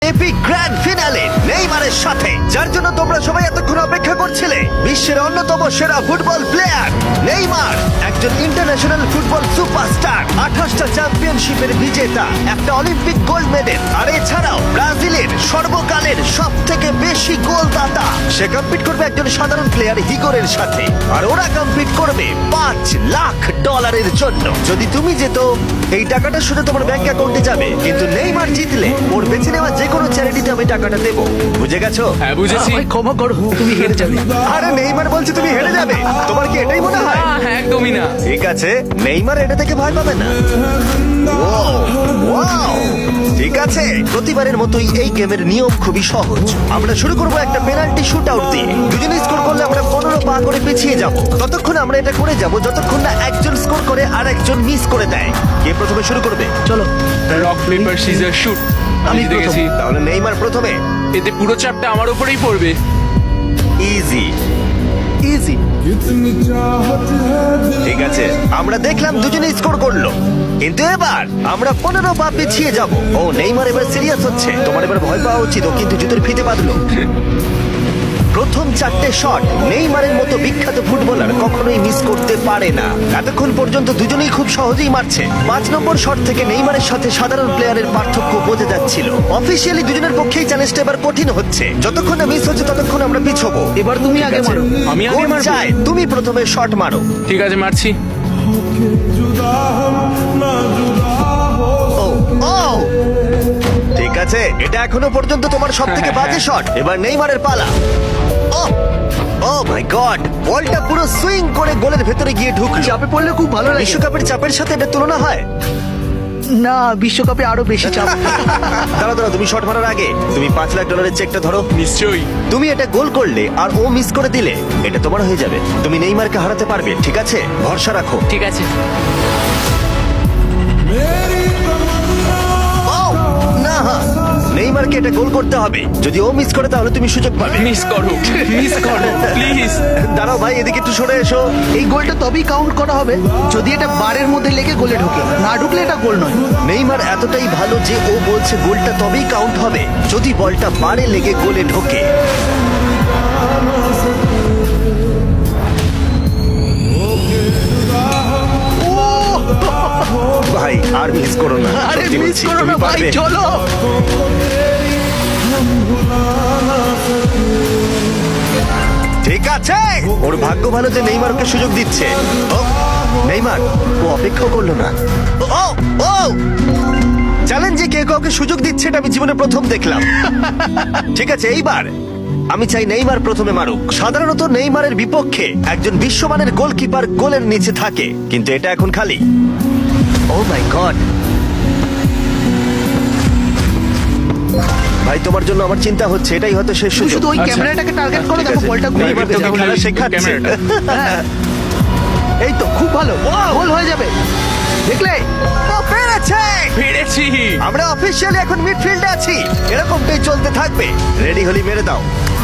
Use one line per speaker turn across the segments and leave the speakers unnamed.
Epic grand finale নেইমারের সাথে, যার জন্য তোমরা সবাই এতক্ষণ অপেক্ষা করছিলে। বিশ্বের অন্যতম সেরা ফুটবল প্লেয়ার নেইমার, একজন ইন্টারন্যাশনাল ফুটবল সুপারস্টার, 28টা চ্যাম্পিয়নশিপের বিজেতা, একটা অলিম্পিক গোল্ড মেডেল, আর এছাড়াও ব্রাজিলের সর্বকালের সব থেকে বেশি গোলদাতা। সে কম্পিট করবে একজন সাধারণ প্লেয়ার হিগোরের সাথে, আর ওরা কম্পিট করবে $5 লাখ জন্য। যদি তুমি যেত, এই টাকাটা শুধু তোমার ব্যাংক অ্যাকাউন্টে যাবে, কিন্তু নেইমার জিতলে ওর বেছে নেওয়া যে কোনো চ্যারিটিতে আমি টাকাটা দেবো। বুঝে গেছো?
হ্যাঁ বুঝেছি।
আমায় ক্ষমা করো, তুমি হেরে যাবে।
আরে নেইমার বলছে তুমি হেরে যাবে, তোমার কি এটাই মনে হয়?
হ্যাঁ একদমই না।
ঠিক আছে, নেইমার এটা থেকে ভয় পাবে না। ওয়াও, ঠিক আছে। প্রতিবারের মতোই এই গেমের নিয়ম খুবই সহজ। আমরা শুরু করব একটা পেনাল্টি শুট আউট দিয়ে। দুজনে স্কোর করলে আমরা 15 পা করে পিছিয়ে যাব। ততক্ষণ আমরা এটা করে যাব যতক্ষণ না একজন স্কোর করে আর একজন মিস করে দেয়। কে প্রথমে শুরু করবে?
চলো।
Rock paper scissor shoot. আমি জিতে গেছি।
তাহলে নেইমার প্রথমে।
এতে পুরো চাপটা আমার উপরেই পড়বে।
Easy
easy.
ঠিক আছে, আমরা দেখলাম দুজনে স্কোর করলো, কিন্তু এবার আমরা 15 পা পিছিয়ে যাব। ও নেইমার এবার সিরিয়াস হচ্ছে। তোমার এবার ভয় পাওয়া উচিত, ও কিন্তু জুতোর ফিতে বাঁধলো। প্রথম 4টে শট নেইমারের মতো বিখ্যাত ফুটবলার কখনোই মিস করতে পারে না। এতক্ষণ পর্যন্ত দুজনেই খুব সহজেই মারছে। 5 নম্বর শট থেকে নেইমারের সাথে সাধারণ প্লেয়ারের পার্থক্য বোঝা যাচ্ছিল। অফিসিয়ালি দুজনের পক্ষেই চ্যালেঞ্জটা এবার কঠিন হচ্ছে। যতক্ষণ না মিস হচ্ছে ততক্ষণ আমরা পিছবো।
এবার তুমি আগে মারো।
আমি আগে
কোচ
মারবো?
চায় তুমি প্রথমে শট মারো।
ঠিক আছে মারছি।
ও ও ঠিক আছে, এটা এখনো পর্যন্ত তোমার সব থেকে বাজে শট। এবার নেইমারের পালা। ও ও মাই গড, বলটা পুরো সুইং করে গোলের ভেতরে গিয়ে ঢুকলো।
চাপে পড়লে খুব ভালো লাগে।
বিশ্বকাপের চাপের সাথে এটা তুলনা হয়?
না, বিশ্বকাপে আরো বেশি চাপ।
দাঁড়াও দাঁড়াও, তুমি শট মারার আগে তুমি $5 লাখ চেকটা ধরো।
নিশ্চয়ই।
তুমি এটা গোল করলে আর ও মিস করে দিলে এটা তোমার হয়ে যাবে। তুমি নেইমারকে হারাতে পারবে, ঠিক আছে? ভরসা রাখো।
ঠিক আছে।
ও না, নেইমারকে এটা গোল করতে হবে। যদি ও মিস করে তাহলে তুমি সুযোগ পাবে।
মিস করো, মিস করো প্লিজ।
দাঁড়াও ভাই, এদিকে একটু সরে এসো।
এই গোলটা তবেই কাউন্ট করা হবে যদি এটা বারের মধ্যে লেগে গোলে ঢোকে। না ঢুকলে এটা গোল নয়।
নেইমার এতটাই ভালো যে ও বলছে গোলটা তবেই কাউন্ট হবে যদি বলটা বারে লেগে গোলে ঢোকে। ভাই আর মিস করো না,
আরে
সত্যি
মিস
বলছি,
করো
তুমি
না ভাই,
পারবে।
চলো।
ঠিক আছে, ওর ভাগ্য ভালো যে নেইমার ওকে সুযোগ দিচ্ছে। ও নেইমার, ও অপেক্ষা করলো না। ও ও চ্যালেঞ্জে কে কাউকে সুযোগ দিচ্ছে এটা আমি জীবনে প্রথম দেখলাম। ঠিক আছে, এইবার আমি চাই নেইমার প্রথমে মারুক। সাধারণত নেইমারের বিপক্ষে একজন বিশ্বমানের গোলকিপার গোলের নিচে থাকে, কিন্তু এটা এখন খালি। ও মাই গড, ভাই তোমার জন্য আমার চিন্তা হচ্ছে। এটাই হয়তো শেষ
তুমি
সুযোগ।
শুধু ওই
আচ্ছা,
ক্যামেরাটাকে টার্গেট করো,
ঠিক
দেখো
আছে,
বলটা ঘুরে
নেইমার
বেরোবে।
তোকে খেলা
তাহলে
শেখাচ্ছে।
ক্যামেরাটা।
হ্যাঁ। এই তো খুব ভালো, গোল হয়ে যাবে, দেখলে?
ও পেরেছে!
পেরেছি।
আমরা অফিসিয়ালি এখন মিডফিল্ডে আছি। এরকমটাই চলতে থাকবে। রেডি হলি মেরে দাও।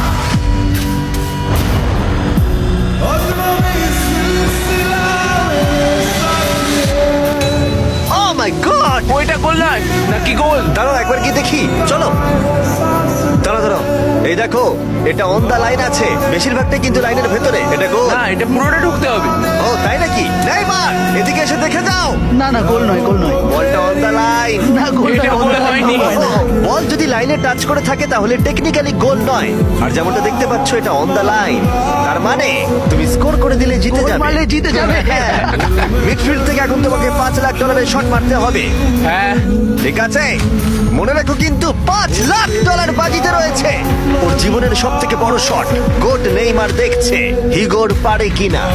ও মাই গড,
ওইটা গোল নয় নাকি গোল?
দাঁড়াও একবার কি দেখি, চলো। দাঁড়াও দাঁড়াও, এই দেখো এটা অন দা লাইন আছে। বেশিরভাগটাই কিন্তু লাইনের ভেতরে। এটা গোল।
না এটা পুরোটা ঢুকতে হবে।
ও তাই নাকি? নেইমার এদিকে এসে দেখে যাও।
না না, গোল নয়, গোল নয়।
বলটা অন দা লাইন।
না, গোল
এটা
নয়,
গোল হয়নি।
বল যদি লাইনে টাচ করে থাকে তাহলে টেকনিক্যালি গোল নয়। আর যেমনটা দেখতে পাচ্ছ এটা অন দা লাইন, তার মানে তুমি স্কোর করে দিলে জিতে
গোল
যাবে।
মারলে জিতে যাবে।
হ্যাঁ, মিডফিল্ড থেকে এখন তোমাকে $5 লাখ শট মারতে হবে।
হ্যাঁ
ঠিক আছে, মনে রাখো কিন্তু $5 লাখ বাজিতে রয়েছে। ওর জীবনের সব থেকে বড় শট। গোট নেইমার দেখছে হিগোর পারে কিনা।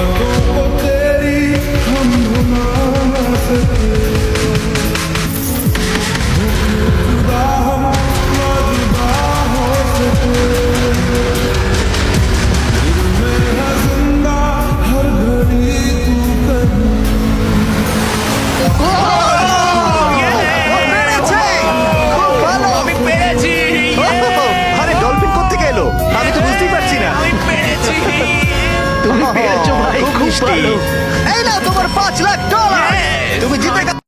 পেরেছে! খুব ভালো!
আমি পেরেছি।
আরে ডলফিন কোত্থেকে এলো? আমি তো বুঝতেই পারছি না।
আমি পেরেছি।
তুমি পেরেছো ভাই,
খুব
খুব
মিষ্টি।
ভালো।
এই নাও তোমার $5 লাখ।